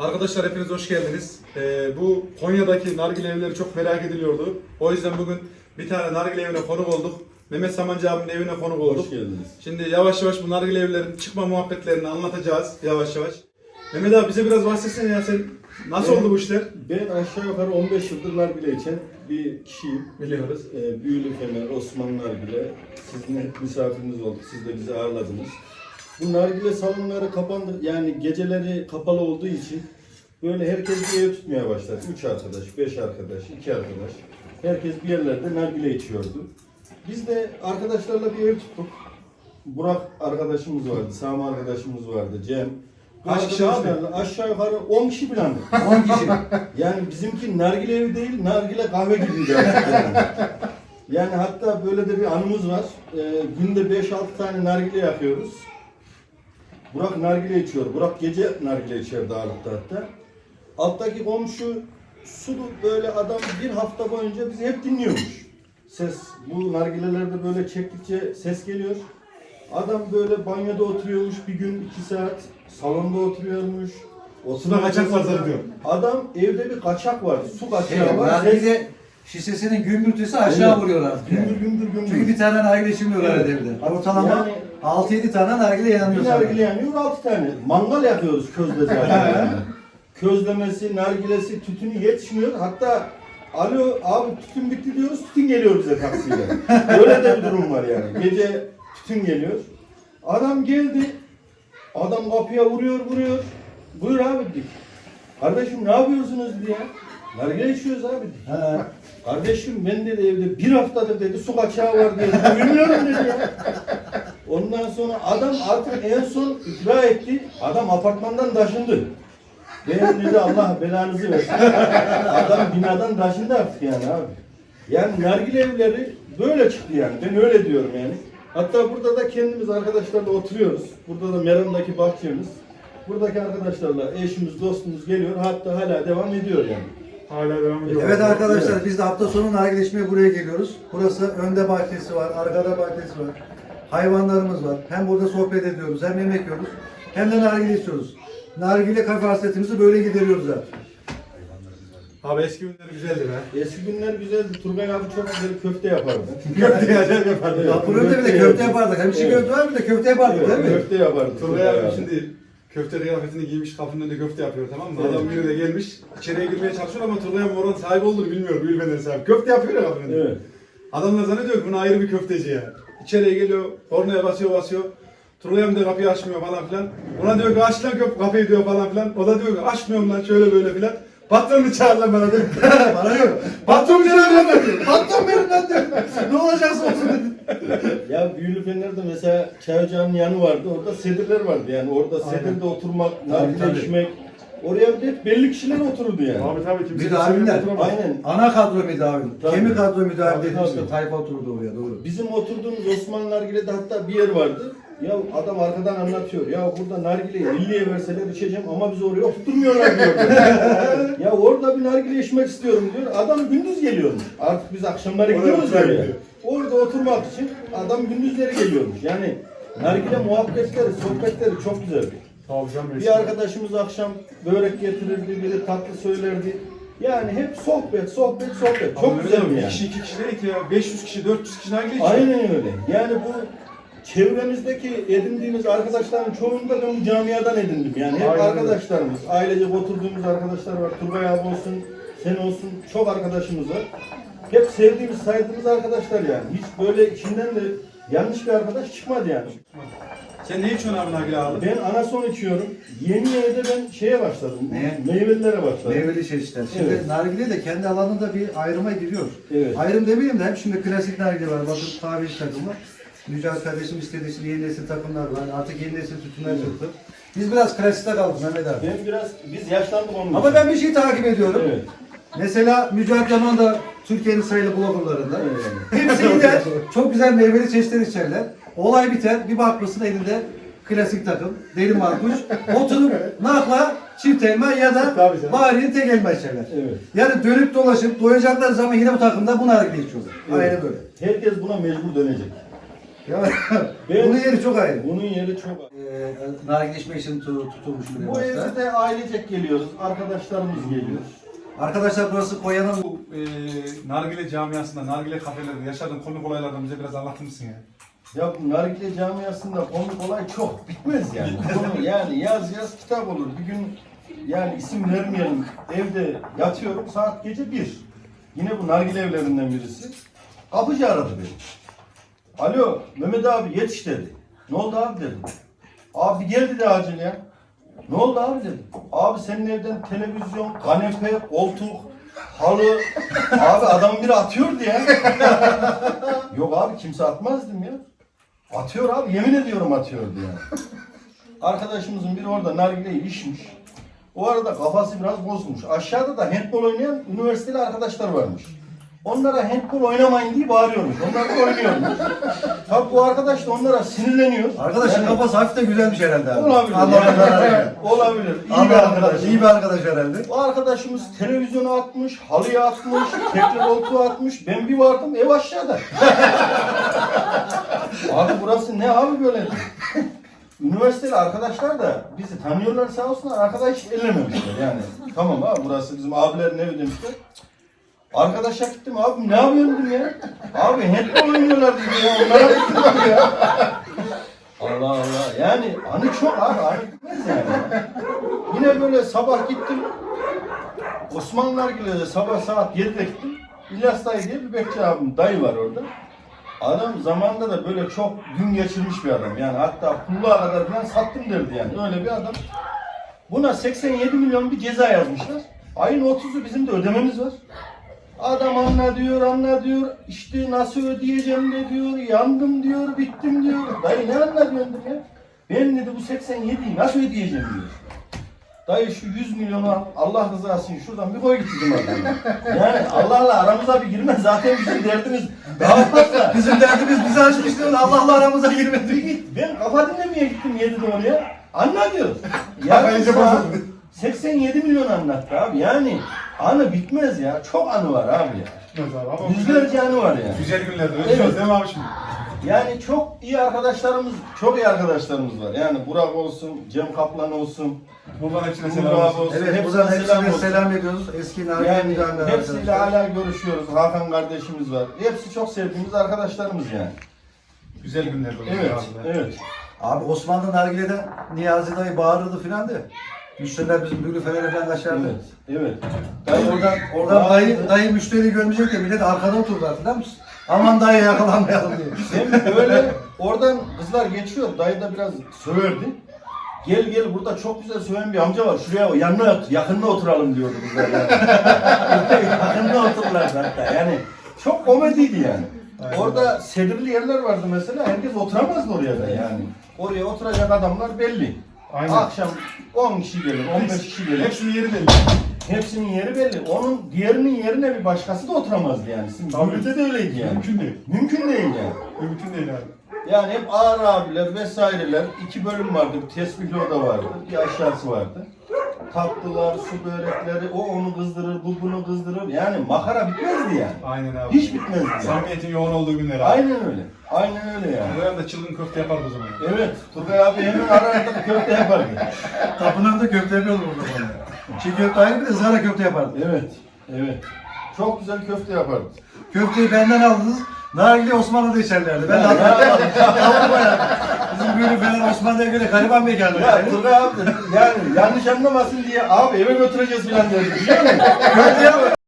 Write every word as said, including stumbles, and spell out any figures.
Arkadaşlar hepiniz hoş geldiniz. Ee, bu Konya'daki nargile evleri çok merak ediliyordu. O yüzden bugün bir tane nargile evine konuk olduk. Mehmet Samancı abinin evine konuk olduk. Hoş geldiniz. Şimdi yavaş yavaş bu nargile evlerin çıkma muhabbetlerini anlatacağız yavaş yavaş. Mehmet abi bize biraz bahsetsene ya, sen nasıl Ben- oldu bu işler? Ben aşağı yukarı on beş yıldır nargile içen bir kişiyim. Biliyoruz. Ee, Büyülü Fener, Osman Nargile. Sizin hep misafiriniz olduk. Siz de bizi ağırladınız. Bu nargile salonları kapandı. Yani geceleri kapalı olduğu için böyle herkes bir ev tutmaya başladı. Üç arkadaş, beş arkadaş, iki arkadaş. Herkes bir yerlerde nargile içiyordu. Biz de arkadaşlarla bir ev tuttuk. Burak arkadaşımız vardı, Sami arkadaşımız vardı, Cem. Bu Kaç kişi abi? arkadaşlarla aşağı yukarı on kişi falan. on kişi. Yani bizimki nargile evi değil, nargile kahve gibiydi artık yani. Yani hatta böyle de bir anımız var. Ee, günde beş altı tane nargile yakıyoruz. Burak nargile içiyor. Burak gece nargile içer dağlıkta hatta. Alttaki komşu sulu böyle adam bir hafta boyunca bizi hep dinliyormuş. Ses, bu nargilelerde böyle çektikçe ses geliyor. Adam böyle banyoda oturuyormuş bir gün iki saat. Salonda oturuyormuş. Suda kaçak var zannediyor. Adam evde bir kaçak var. Su kaçağı Evet, var. nargile şişesinin gümbürtüsü aşağı Evet. vuruyor artık. Gümbür Yani. gümbür gümbür. Çünkü bir tane nargile içmiyorlar Evet. evde. Ortalama Yani- altı yedi tane nargile yanıyor Bir sana. nargile yanıyor, altı tane. Mangal yakıyoruz közde zaten. Közlemesi, nargilesi, tütünü yetişmiyor. Hatta alo abi tütün bitti diyoruz, tütün geliyor bize taksiyle. Öyle de bir durum var yani. Gece tütün geliyor. Adam geldi, adam kapıya vuruyor vuruyor. Buyur abi dedik. Kardeşim ne yapıyorsunuz diye. Nargile içiyoruz abi dedik. He. Kardeşim ben dedi evde bir haftadır dedi su kaçağı var dedi. Bilmiyorum dedi ya. Ondan sonra adam artık en son ikra etti. Adam apartmandan taşındı. Benim dedi Allah belanızı versin. Adam binadan taşındı artık yani abi. Yani nargile evleri böyle çıktı yani. Ben öyle diyorum yani. Hatta burada da kendimiz arkadaşlarla oturuyoruz. Burada da Meram'daki bahçemiz. Buradaki arkadaşlarla eşimiz, dostumuz geliyor. Hatta hala devam ediyor yani. Hala devam ediyor. Evet arkadaşlar Evet. biz de hafta sonu nargile içmeye buraya geliyoruz. Burası önde bahçesi var, arkada bahçesi var. Hayvanlarımız var. Hem burada sohbet ediyoruz, hem yemek yiyoruz, hem de nargile içiyoruz. Nargile kafe hasretimizi böyle gideriyoruz abi. Abi eski günler güzeldi be. Eski günler güzeldi. Turgay abi çok güzel köfte yapardı. Köfte acayip yapardı. Evet. Ya burada bir de köfte yapardık. Hem çiğ Evet. köfte var bir de köfte yapardık Evet, değil mi? köfte yapardı. Turgay abi şimdi köfte kıyafetini giymiş, kapının önünde köfte yapıyor, tamam mı? Evet. Adam biri de gelmiş, içeriye girmeye çalışıyor ama Turgay abi oranın sahibi olduğunu bilmiyor, Büyül Fener'in sahibi. Köfte yapıyor ya kapının önünde. Evet. Adamlar zannediyor ki bunu ayrı bir köfteci ya. İçeriye geliyor, kornaya basıyor basıyor. Turgay abi de kapıyı açmıyor falan filan. Ona diyor ki aç lan köp kapıyı diyor falan filan. O da diyor ki açmıyorum lan şöyle böyle filan. Patronunu çağır lan bana diyor. Bana yok. Patron benim lan diyor. Patron benim lan diyor. Ne olacaksa olsun dedi. Ya Büyülü Fener'de mesela çay ocağının yanı vardı. Orada sedirler vardı yani. Orada sedirde oturmak, nargile tabii. içmek. Oraya bir de hep belli kişiler otururdu yani. Abi tabii ki. Bir de abimler. Aynen. Ana kadro müdavim. Tabii. Kemik kadro müdavim Tabii, dediğimizde tabii. tayfa oturdu oraya doğru. Bizim oturduğumuz Osman Nargile'de hatta bir yer vardı. Ya adam arkadan anlatıyor. Ya burada nargileyi elliye verseler içeceğim ama biz oraya oturtmuyorlar diyor. Ya orada bir nargile içmek istiyorum diyor. Adam gündüz geliyormuş. Artık biz akşamları Oraya gidiyoruz oturuyor. oraya. Orada oturmak için adam gündüzleri geliyormuş. Yani nargile muhabbetleri, sohbetleri çok güzeldi. Tabii canım. Bir arkadaşımız akşam börek getirirdi, biri tatlı söylerdi. Yani hep sohbet, sohbet, sohbet. Çok güzel bir yani. kişi iki kişi değil ki ya. beş yüz kişi, dört yüz kişi nargile içiyor. Aynen öyle. Yani bu çevremizdeki edindiğimiz arkadaşların çoğunu da ben bu camiadan edindim. Yani hep Aynen öyle. arkadaşlarımız, ailecek oturduğumuz arkadaşlar var. Turgay abi olsun, sen olsun, çok arkadaşımız var. Hep sevdiğimiz, saydığımız arkadaşlar yani. Hiç böyle içinden de yanlış bir arkadaş çıkmadı yani. Sen ne içiyorsun abi nargile abi? Ben anason içiyorum. Yeni yeni de ben şeye başladım. Neye? Meyvelilere başladım. Meyveli çeşitler. Şimdi Evet. nargile de kendi alanında bir ayrıma giriyor. Evet. Ayrım demeyeyim de hep şimdi klasik nargile var. Bakın tabi takım var. Mücahit kardeşim istediği için yeni nesil takımlar var. Artık yeni nesil tütünler çıktı. Biz biraz klasikte kaldık Mehmet abi. Ben biraz, biz yaşlandık onun Ama için. ben bir şey takip ediyorum. Evet. Mesela Mücahit Yaman da Türkiye'nin sayılı bloggerlarında. Evet. Hepsi gider, çok güzel meyveli çeşitler içerler. Olay biter, bir bakmışsın elinde klasik takım, deli markuş, oturup nakla çift elma ya da Tabii canım. bari tek elma içerler. Evet. Yani dönüp dolaşıp doyacaklar zaman yine bu takımda bu nargile içiyorlar. Evet. Aynen böyle. Herkes buna mecbur dönecek. Ya, Ben- bunun yeri çok ayrı. Bunun yeri çok. Ee, nargile içmek için tu- tutulmuş bir Bu evde. evde de ailecek geliyoruz. Arkadaşlarımız geliyor. Arkadaşlar burası Konya'nın Bu e, nargile camiasında, nargile kafelerde yaşadığın komik olaylardan bize biraz anlatır mısın ya? Ya bu nargile camiasında komik olay çok bitmez yani. Konu yani yaz yaz kitap olur. Bir gün yani isim vermeyelim. Evde yatıyorum saat gece bir. Yine bu nargile evlerinden birisi. Kapıcı aradı beni. Alo Mehmet abi yetiş dedi. Ne oldu abi dedim. Abi gel dedi acil ya. Ne oldu abi dedim. Abi senin evden televizyon, kanepe, koltuk, halı. Abi adam biri atıyordu ya. Yok abi kimse atmaz dedim ya. Atıyor abi yemin ediyorum atıyordu ya. Arkadaşımızın biri orada nargileyi içmiş. O arada kafası biraz bozulmuş. Aşağıda da handbol oynayan üniversiteli arkadaşlar varmış. Onlara handbol oynamayın diye bağırıyormuş. Onlar da oynuyormuş. Tabii bu arkadaş da onlara sinirleniyor. arkadaşın Yani- kafası hafif de güzelmiş herhalde abi. Olabilir. Anlamadan Yani, yani. olabilir. İyi bir Anlamadan arkadaş. iyi bir arkadaş herhalde. O arkadaşımız televizyonu atmış, halıya atmış, tekli koltuğu atmış. Ben bir vardım ev aşağıda. Abi burası ne abi böyle? Üniversiteli arkadaşlar da bizi tanıyorlar sağ olsunlar. Arkadaş ellememişler yani. Tamam abi burası bizim abilerin evi demişler. Arkadaşa gittim abi ne yapıyorsun dedim ya. Abi handball oynuyorlar dedi ya. Onlara gittim abi ya. Allah Allah. Yani anı çok abi. Anı bitmez yani. Yine böyle sabah gittim. Osman Nargile'de sabah saat yedide gittim. İlyas dayı diye bir bekçi abim dayı var orada. Adam zamanında da böyle çok gün geçirmiş bir adam. Yani hatta pulluğa kadar falan sattım derdi yani. Öyle bir adam. Buna seksen yedi milyon bir ceza yazmışlar. Ayın otuzu bizim de ödememiz var. Adam anla diyor, anla diyor. İşte nasıl ödeyeceğim de diyor. Yandım diyor, bittim diyor. Dayı ne anla diyorsun ya? Ben dedi bu seksen yediyi nasıl ödeyeceğim diyor. Dayı şu yüz milyonu al, Allah rızası için şuradan bir koy git dedim adamı. Yani Allah'la aramıza bir girme zaten bizim derdimiz daha fazla. Bizim derdimiz bizi açmıştı. Allah'la aramıza girmedi. Git, ben kafa dinlemeye gittim yedide oraya. Anla diyor. Kafayı Yani iyice saat bozuldu. seksen yedi milyon anlattı abi. Yani anı bitmez ya. Çok anı var abi ya. Bitmez abi ama Yüzlerce anı var ya. güzel günlerde öyle Evet. diyoruz değil mi abi şimdi? Yani çok iyi arkadaşlarımız, çok iyi arkadaşlarımız var. Yani Burak olsun, Cem Kaplan olsun, Buradan hepsine Burak selam olsun. olsun. Evet, hepsine buradan selam hepsine olsun. selam ediyoruz. Eski nargile Yani müdahale hepsiyle arkadaşlar. hala görüşüyoruz. Hakan kardeşimiz var. Hepsi çok sevdiğimiz arkadaşlarımız yani. Güzel günlerde oluyor Evet, abi. evet. Abi Osmanlı nargileden Niyazi dayı bağırırdı filan de. Müşteriler bizim bülüfelere falan kaçardı. Evet, evet. Dayı oradan, oradan dayı, dayı müşteri görmeyecek de millet arkada oturdu hatırlar mısın? Aman dayı yakalanmayalım diye. Hem böyle oradan kızlar geçiyor. Dayı da biraz söverdi. Gel gel burada çok güzel söven bir amca var. Şuraya yanına otur, yakınına oturalım diyordu kızlar yani. Yakınına otururlardı hatta. Yani çok komediydi yani. Aynen. Orada sedirli yerler vardı mesela. Herkes oturamazdı oraya da yani. Oraya oturacak adamlar belli. Aynen. Akşam on kişi gelir, on beş kişi gelir. Hepsinin yeri belli. Hepsinin yeri belli. Onun diğerinin yerine bir başkası da oturamazdı yani. Şimdi Tabii. Gümrüt'te de öyleydi yani. Mümkün değil. Mümkün değil yani. Mümkün değil abi. Yani hep ağır abiler vesaireler. İki bölüm vardı. Bir tesbihli oda vardı. Bir aşağısı vardı. Tatlılar, su börekleri, o onu kızdırır, bu bunu kızdırır. Yani makara bitmezdi yani. Aynen abi. Hiç bitmezdi yani. Samimiyetin yoğun olduğu günler abi. Aynen öyle. Aynen öyle yani. Buraya da çılgın köfte yapardı o zaman. Evet. Turgay abi hemen arada köfte yapardı. Kapının önünde köfte yapıyordu burada bana. Çiğ köfte ayrı bir de ızgara köfte yapardı. Evet. Evet. Çok güzel köfte yapardı. Köfteyi benden aldınız. Nargile Osmanlı'da içerlerdi. Ben de Ya, hatırlıyorum. Tamam ya. Bizim bülüfeler Osmanlı'ya göre gariban mekanı. Ya Turgay abi yani yanlış anlamasın diye abi eve götüreceğiz filan dedi. Biliyor musun? Köfte yap.